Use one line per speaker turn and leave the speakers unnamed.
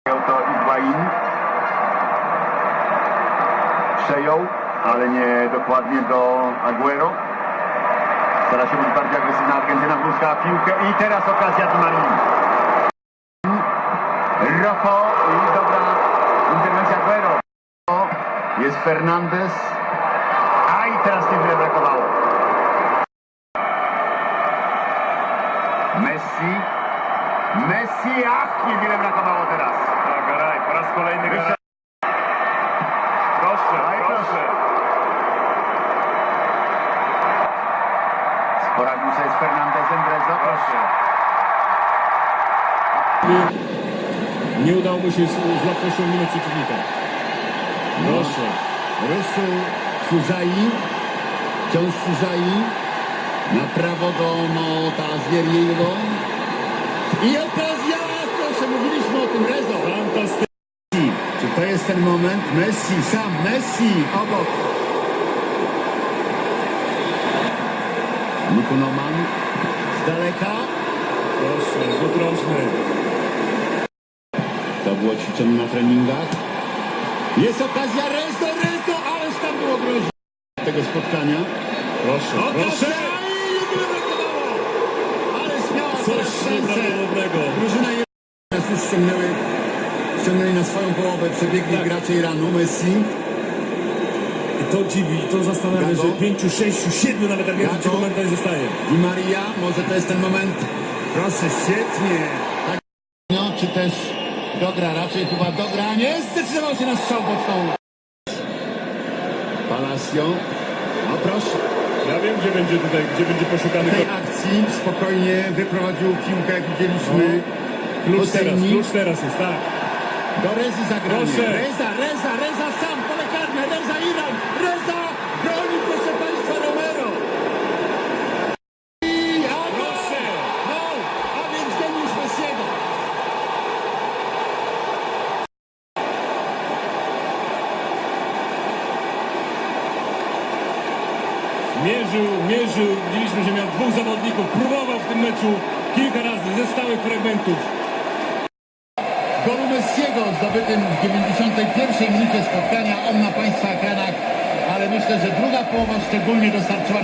To Higuain przejął, ale nie dokładnie do Agüero. Stara się być bardziej agresywna Argentyna, wróciła piłkę i teraz okazja Di Marii. Rojo i dobra interwencja Agüero. Jest Fernandez, a i teraz niewiele brakowało. Messi, ach, niewiele brakowało teraz.
Garay, po raz kolejny Garay. Proszę.
Poradził sobie z Fernandezem, Drezdo, proszę.
Nie udało mu się z łatwością minąć przeciwnika. Proszę.
Rysu Suzai, wciąż Suzai, na prawo do Montazeriego. I okazja, proszę, mówiliśmy o tym, Rezo.
Fantastycznie.
Czy to jest ten moment? Messi obok. Nukunoman z daleka.
Proszę, rzut rożny.
To było ćwiczone na treningach. Jest okazja, Rezo, ależ tam było groźne tego spotkania.
Proszę.
I nie brakowało. Ale śmiała
Coś nieprawdopodobnego.
Drużyna teraz już ściągnęli na swoją połowę, przebiegli
Tak.
gracze Iranu, Messi.
I to dziwi, to zastanawia,
Gago.
że 5, 6, 7 nawet Argentyńczyków
Gago.
momentami zostaje.
Di Maria, może to jest ten moment. Proszę, świetnie. Tak, no, czy też dogra, raczej chyba dogra. Nie, zdecydował się na strzał boczną. Palacio. No proszę.
Ja wiem, gdzie będzie poszukany
W tej akcji spokojnie wyprowadził piłkę, jak widzieliśmy. Hosseini.
klucz teraz jest, tak.
Do Rezy zagranie.
Proszę.
Reza sam, pole karne, Reza Iran, Reza broni, proszę Państwa, Romero. I
Proszę.
no, a więc geniusz Messiego.
Mierzył, widzieliśmy, że miał dwóch zawodników, próbował w tym meczu kilka razy ze stałych fragmentów.
Golu Messiego zdobytym w 91 minucie spotkania, on na Państwa ekranach, ale myślę, że druga połowa szczególnie dostarczyła